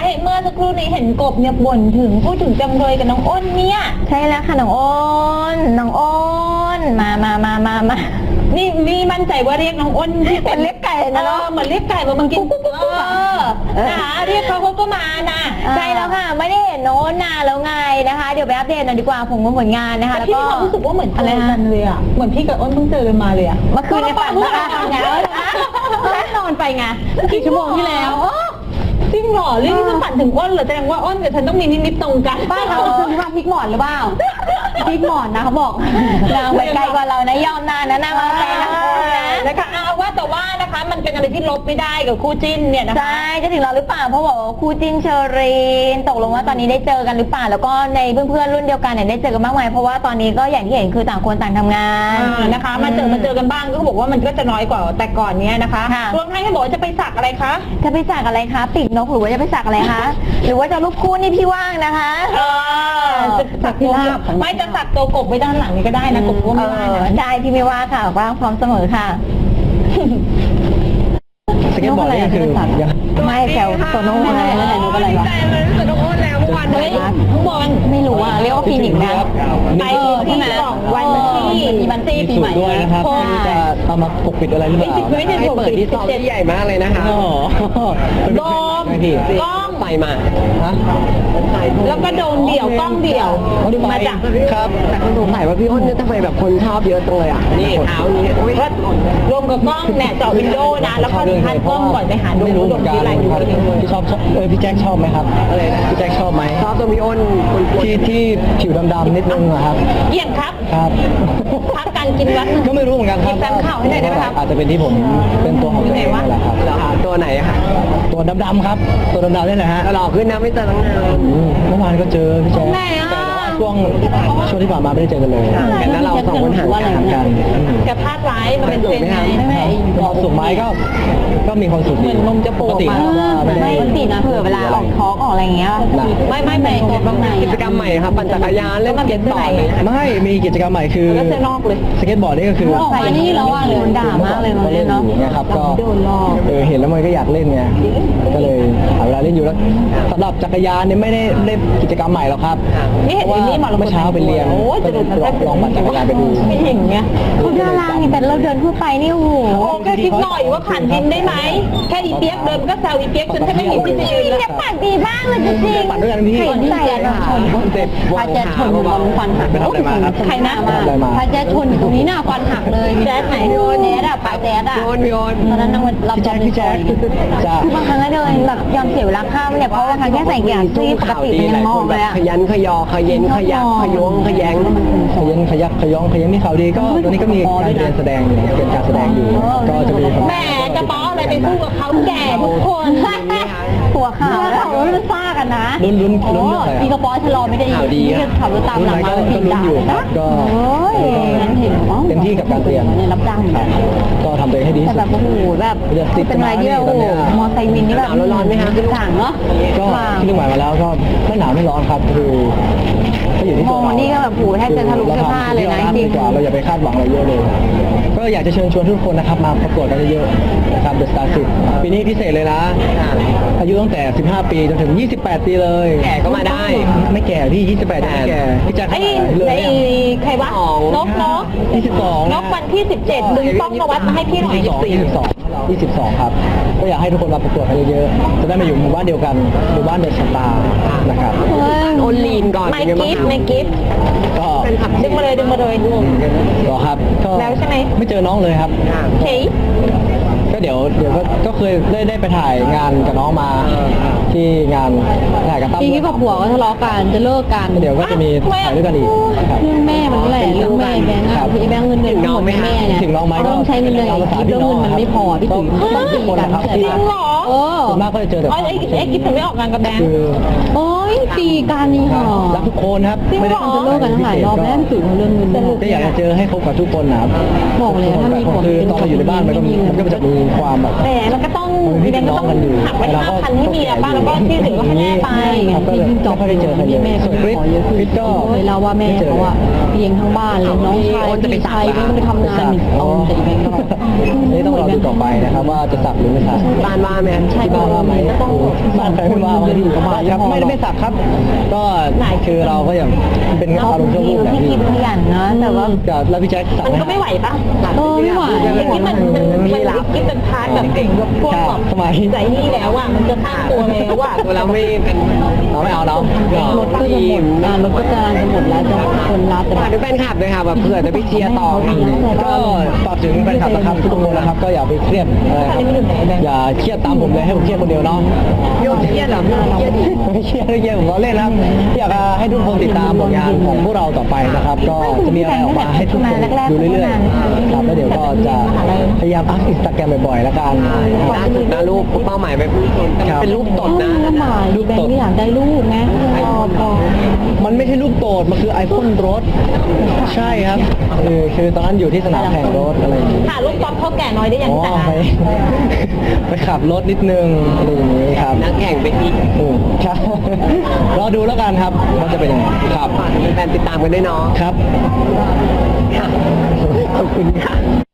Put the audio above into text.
เมื่อสักครู่นี้เห็นกบเนี่ยบ่นถึงพูดถึงจำเลยกับน้องอ้นเนี่ยใช่แล้วค่ะน้องอ้นมานี่มั่นใจว่าเรียกน้องอ้นที่เป็นเหมือนเรียกไก่นะเนอะเหมือนเรียกไก่มาบางทีนะคะเรียกเขาก็มานะใช่แล้วค่ะไม่ได้เห็นน้องอ้นนานแล้วไงนะคะเดี๋ยวไปอัปเดตหน่อยดีกว่าผลงานนะคะแต่แล้วพี่ก็มีความรู้สึกว่าเหมือนเจอกันเลยอ่ะเหมือนพี่กับอ้นเพิ่งเจอกันมาเลยอ่ะเมื่อคืนในฝันนะคะไงแค่นอนไปไงกี่ชั่วโมงที่แล้วจริงเหรอเรื่องที่ฉันฝันถึงอ้นเหรอแสดงว่าอ้นกับฉันต้องมีนิดๆตรงกันบ้านเราคือว่าพลิกหมอนหรือเปล่าพลิกหมอนนะเขาบอกนางไปไกลกว่าเรานะยอมนานนะนางมาไกลนะนะคะเอาว่าแต่ว่านะคะมันเป็นอะไรที่ลบไม่ได้กับคู่จิ้นเนี่ยนะคะใช่จะถึงเราหรือเปล่าเพราะบอกว่าคู่จิ้นเชอรีนตกลงว่าตอนนี้ได้เจอกันหรือเปล่าแล้วก็ในเพื่อนๆรุ่นเดียวกันเนี่ยได้เจอกันบ้างไหมเพราะว่าตอนนี้ก็อย่างที่เห็นคือต่างคนต่างทำงานนะคะมาเจอกันบ้างก็บอกว่ามันก็จะน้อยกว่าแต่ก่อนเนี้ยนะคะรวมทั้งที่บอกว่าจะไปสักอะไรคะจะไปสักอะไรคะปีกนกหรือว่าจะไปสักอะไรคะหรือว่าจะรูปคู่นี่พี่ว่างนะคะจะสักตัวไม่จะสักตัวกบไว้ด้านหลังนี่ก็ได้นะกบก็ไม่ว่านะได้พี่ไม่ว่าค่ะว่างพร้อมเสมอค่ะสเก็ตบอร์ดนี่คือยังไม่แถวโตโน่อะไรไม่ไหนรู้อะไรหรอแต่น้องอ้นแล้วเมื่อวานเฮ้ยน้องบอลไม่รู้อ่ะเรียกว่าคลินิกนะไปที่สองวันที่มันตีปีสูใหตม่รด้วยนะครับที่จะเอามาปกปิดอะไรหรือเปล่าไม่ใช่ผมติด17ใหญ่มากเลยนะคะอ๋อโดมพี่กล้องไปมาฮะแล้วก็โดมเดี่ยวกล้องเดี่ยวมาจากครับแต่คนสงสัยว่าพี่อ้นเนี่ยทำไมแบบคนชอบเยอะจังเลยอ่ะ นี่เท้านี้อุ๊ยก็รวมกับกล้องเนี่ยเจาะวินโดว์นะแล้วก็ทันกล้องก่อนไปหาดูไม่รู้เหมือนกันที่ไรดูทีนึงพี่ชอบพี่แจ็คชอบไหมครับอะไรนะพี่แจ็คชอบไหมชอบตัวพี่อ้นคนกวนที่ผิวดำๆนิดนึงอะครับเยี่ยมครับครับพักการกินวัดก็ไม่รู้เหมือนกันครับแฟนข่าวให้หน่อยได้ไหมครับอาจจะเป็นที่ผมเป็นตัวของตัวเองนั่นแหละครับเหรอคะตัวไหนอะคะตัวดำๆครับ ตัวดำๆนี่แหละฮะหล่อขึ้นนะไม่เจอตั้งนานเมื่อวานก็เจอพี่แจ๊คไหนอ่ะแต่ว่าช่วงที่ผ่านมาไม่ได้เจอกันเลยห่างกันนะเราสองคนห่างกันห่างกันแกพลาดร้ายมันเป็นเซนไงความสุขไหมก็มีความสุขดีเหมือนนมจะโผล่ปกติมาครับว่าไม่ได้ไม่ติดนะเผื่อเวลาออกท้องออกอะไรอย่างเงี้ยไม่ตัวบางไหนกิจกรรมใหม่ครับปั่นจักรยานเล่นสเก็ตบอร์ดเลยไม่มีกิจกรรมใหม่คือแล้วเสื้อนอกเลยสเก็ตบอร์ดนี่ก็คือออกมานี่แล้วอ่ะโดนด่ามากเลยมันเนาะไงครับก็โดนลอกเห็นแล้วมันก็อยากเล่นไงก็เลยหาเวลาเล่นอยู่แล้วสำหรับจักรยานเนี่ยไม่ได้เล่นกิจกรรมใหม่หรอกครับนี่เห็นนี่หมอเมื่อเช้าไปเรียนโอ้จะโดนลองปั่นจักรยานไปดูไม่เห็นไงเขาดารานี่แต่เราเดินทั่วไปนี่โอ้โหโอ้แค่คิดหน่อยว่าผ่านดินได้ไหมแค่อีเปียกเดินก็แซวอีเปียกจนแทบไม่มีที่จะยืนเนี่ยปากดีมากเลยจริงปั่นด้วยกันพี่ใครใส่อะชนเจ็บพาแจ๊ดชนบอลควันหักไปทำอะไรมาครับใครนะไปทำอะไรมาพาแจ๊ดชนอยู่ตรงนี้หน้าควันหักเลยแจ๊ดไหนโดนแจ๊ดอะปาแจ๊ดอะพี่อ้นพี่อ้นตอนนั้นนางเราพี่แจ๊คจ้าคือบางครั้งก็เดินแบบยอมเสียเวลาข้ามเนี่ยเพราะว่าครั้งแค่ใส่เกียร์ซี่ปกติมันยังมองเลยอะขยันขยอขยันขยักขยวงขยันขยันขยักขยองขยันมีข่าวดีก็ตอนนี้ก็มีการเรียนแสดงอยู่เป็นการแสดงอยู่ก็จะมีแหมจะป้ออะไรไปพูดกับเขาแก่ทุกคนหัวขาวแล้วเขามันซ่ากันนะลุ้นเรื่องอะไรพี่กระป๋อชะลอไม่ได้ยินพี่ก็ขับรถตามหลังมาก็ลุ้นอยู่ครับก็โอ้ยงั้นเห็นมั้งเต็มที่กับการเรียนเนี่ยรับจ้างเหมือนกันก็ทำตัวเองให้ดีแต่ที่แบสุบดโอ้โหแบบเป็นอะไรที่แบบโอ้โหมอไซค์วินนี่แบบร้อนไหมคะต่างเนาะก็ที่หมายมาแล้วก็ไม่หนาวไม่ร้อนครับคือก็อยู่ที่มตัอวงเรานี่ก็แบบโอ้โหแทบจะทะลุเสื้อผ้าเลยนะจริงกว่าเราอย่าไปคาดหวังอะไรเยอะเลย ก็อยากจะเชิญชวนทุกคนนะครับมาประกวดกันเยอะๆนะครับ The Star 10ปีนี้พิเศษเลยนะ อายุตั้งแต่ 15 ปีจนถึง 28 ปีเลยแก่ก็มาได้ไม่แก่พี่ 28ยังไม่แก่พี่แจ๊คไอ้เลยไอ้ใครวะนก 22 นกวันที่17ดึงป้องนวัดมาให้พี่หน่อย 22 ครับ ก็อยากให้ทุกคนมาประกวดกันเยอะๆ จะได้มาอยู่หมู่บ้านเดียวกัน หมู่บ้านเดอะสตาร์นะครับอ้นลีนก่อนไม่กิฟต์ไม่กิฟต์ก็ดึงมาเลยก็ครับก็แล้วใช่ไหมไม่เจอน้องเลยครับเฮ้ยก็เดี๋ยวก็เคยได้ไปถ่ายงานกับน้องมาที่งานถ่ายกับตั้มพี่กิ๊กกับผัวก็ทะเลาะกันจะเลิกกันเดี๋ยวก็จะมีถ่ายด้วยกันอีกครับเรื่องแม่มันแหละเรื่องแม่แบงค์อะพี่แบงค์เงินเดือนทั้งหมดแม่เนี่ยถึงน้องไหมก็ต้องใช้เงินเดือนอีกทีแล้วเงินมันไม่พอพี่ตุ๋ยต้องตีกันเข้าใจจริปะงเหรอเออส่วนมากก็จะเจอแต่ไอ้กิฟต์ถึงไม่ออกงานกับแบงค์คือโอ้ยตีกันนี่หรอรักทุกคนครับจริงเหรอจะเลิกกันทั้งหลายรอบแล้วพี่ตุ๋ยเขาเรื่องเงินเดือนก็อยากจะเจอให้คบกับทุกคนนะครับบอกเลยถ้ามีผลคือตอนเราอยู่ในบ้านมันก็จะมีความแบบแต่มันก็ต้องอีเวนต์ก็ต้องหักไว้5,000ให้เมียบ้างแล้วก็ที่เหลือก็ให้แม่ไปครับก็เลยไม่ค่อยได้เจอใครเลยส่วนคริสก็เคยเล่าว่าแม่เขาอะเลี้ยงทั้งบ้านเลยน้องชายพี่ชายก็ไม่ไปทำงานเอาแต่อีเวนต์ก็นี่ต้องรอดูต่อไปนะครับว่าจะสักหรือไม่สักบ้านว่าไหมใช่ที่บ้านว่าไหมก็ต้องบ้านใครไม่ว่าวันที่อยู่กับบ้านครับไม่สักครับ ก็คือเราก็อย่างเป็นอารมณ์ชั่ววูบแบบพี่นี้คิดขยันนะแต่ว่าแล้วพี่แจ็คสักมันไหมก็ไม่ไหวปะไม่ไหวอย่างนี้มันคิดเป็นพาร์ทแบบเก่งแบบพวกแบบใจนี่แล้วอ่ะมันจะข้ามตัวแล้วอ่ะตัวเราไม่เป็นเราไม่เอาเนาะรถก็จะหมดรถก็จะหมดแล้วจะคนรับแต่ฝากด้วยแฟนคลับด้วยค่ะแบบเผื่อจะไปเชียร์ต่อค่ะก็ฝากถึงแฟนคลับนะครับทุกคนนะครับก็อย่าไปเครียดอะไรครับอย่าเครียดตามผมเลยให้ผมเครียดคนเดียวเนาะโยนเครียดเหรอเครียดไม่เครียดไม่เครียดผมล้อเล่นนะครับอยากให้ทุกคนติดตามผลงานของพวกเราต่อไปนะครับ ก็จะมีอะไรออกมาให้ทุกคนดูเรื่อยๆครับแล้วเดี๋ยวก็จะพยายามอัพอินสตาแกรมบ่อยๆแล้วกันล่าสุดนะรูปเป้าหมายไปพุ่งชนแต่เป็นรูปตดนะลูกตดอยากได้ลูกไงพอมันไม่ใช่ลูกโตด มันคือไอพ่นรถ ใช่ครับคือตอนนั้นอยู่ที่สนามแข่งรถอะไรอย่างนี้ค่ะลูกป๊อปเขาแก่น้อยได้ยังอ๋อแต่ไปไปขับรถนิดนึงอะไรอย่างนี้ครับนักแข่งไปอีกครับรอดูแล้วกันครับว่าจะเป็นยังไงครับฝากแฟนๆติดตามกันด้วยเนาะครับขอบคุณค่ะ